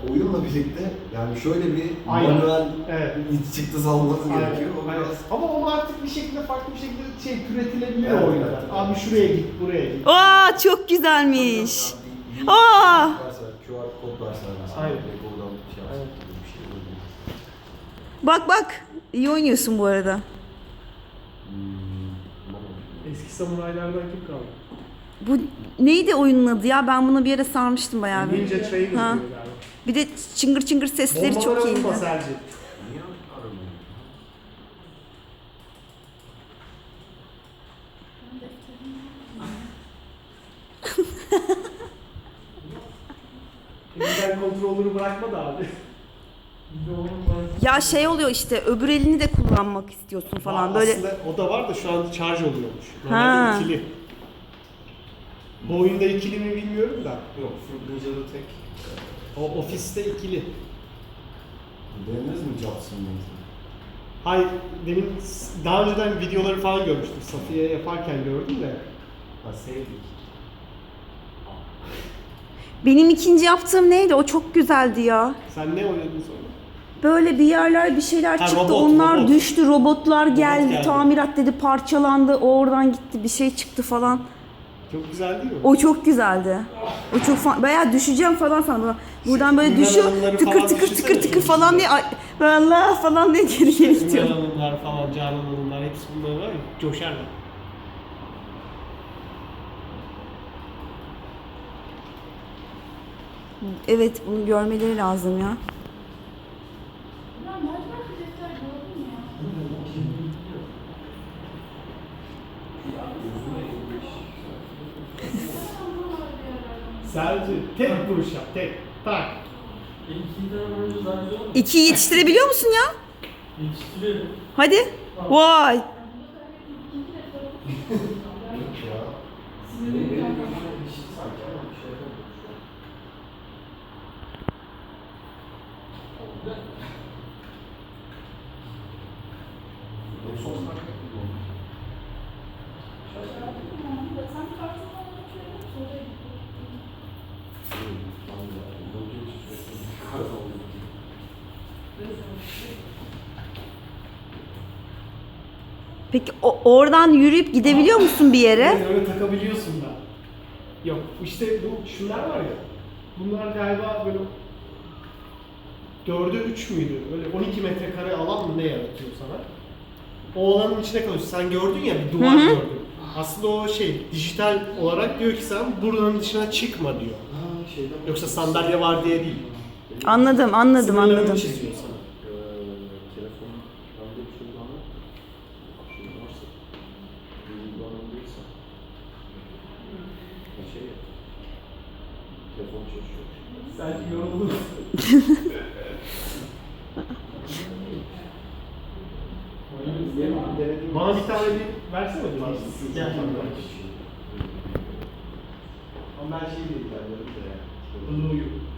oyunla birlikte yani şöyle bir Aynen. manuel Evet. çıktı salması Aynen, gerekiyor. O aynen. biraz Ama onu artık bir şekilde farklı bir şekilde türetilebiliyor Evet, oyunda. evet, evet. Abi şuraya git, buraya git. Aa çok güzelmiş. Bir Aa! QR kod versen mesela. Aynen. Direkt oradan şey yapsın Aynen. gibi bir şey olabilir. Bak bak. İyi oynuyorsun bu arada. Tamam. Eski samuraylardan kim kaldı? Bu neydi oyunun adı ya? Ben buna bir ara sarmıştım bayağı bir. Ninja Trainer diyor Ha. galiba. Bir de çıngır çıngır sesleri çok Bombalara iyiydi. vurma Serci. Niye aramıyor? Elinden kontrolünü bırakma da abi. Ya şey oluyor işte öbür elini de kullanmak istiyorsun falan böyle. Aslında o da var da şu an şarj oluyormuş. Ha. Normalde ikili. Bu oyunda ikili mi bilmiyorum da. Yok, Fruit Ninja'da tek. O ofiste ikili. Denediniz mi Jobs'ın mesela? Hayır, demin daha önceden videoları falan görmüştüm. Safiye yaparken gördüm de. Ha sevdik. Benim ikinci yaptığım neydi? O çok güzeldi ya. Sen ne oynadın sonra? Böyle bir yerler bir şeyler Ha, çıktı. robot, Onlar robot. düştü. Robotlar geldi. geldi. Tamirat dedi parçalandı. O oradan gitti. Bir şey çıktı falan. Çok güzel değil mi? O çok güzeldi. O çok bayağı düşeceğim falan sandım. Buradan böyle düşüyor. Ünlü Tıkır falan tıkır düşünsene, tıkır tıkır çok falan diye. Ay, Allah falan diye geri geri Ümran gidiyor. Hanımlar falan, Canan Hanımlar hepsi bunlar var ya, coşarlar. Evet bunu görmeleri lazım ya. Sadece tek vuruş yap, tek. Tak. İkiyi yetiştirebiliyor musun ya? Yetiştiriyorum. Hadi. Vay. Ya. Benim gözümde bir şey sanki ama bir şey yapamıyorum şu an. En son sanki yapıyordum. Peki oradan yürüyüp gidebiliyor musun bir yere? Yani öyle takabiliyorsun da. Yok, işte bu şunlar var ya. Bunlar galiba böyle 4'e 3 müydü? Öyle 12 metrekare alan mı ne yaratıyor sana? O alanın içine kalıyorsun. Sen gördün ya, bir duvar gördün. Aslında o şey, dijital olarak diyor ki sen buranın dışına çıkma diyor. Ha şeyden. Yoksa sandalye var diye değil. Anladım anladım Sınırlarını anladım. çiziyor sana. Telefon bende bir şey var mı? Şey varsa. Uygulanmadıysa. Şey yap. Telefon çalışıyor. Sanki yoruldun. Bana bir tane bir versene bir. Gel. Ama ben şey değil yani. Blue'yu.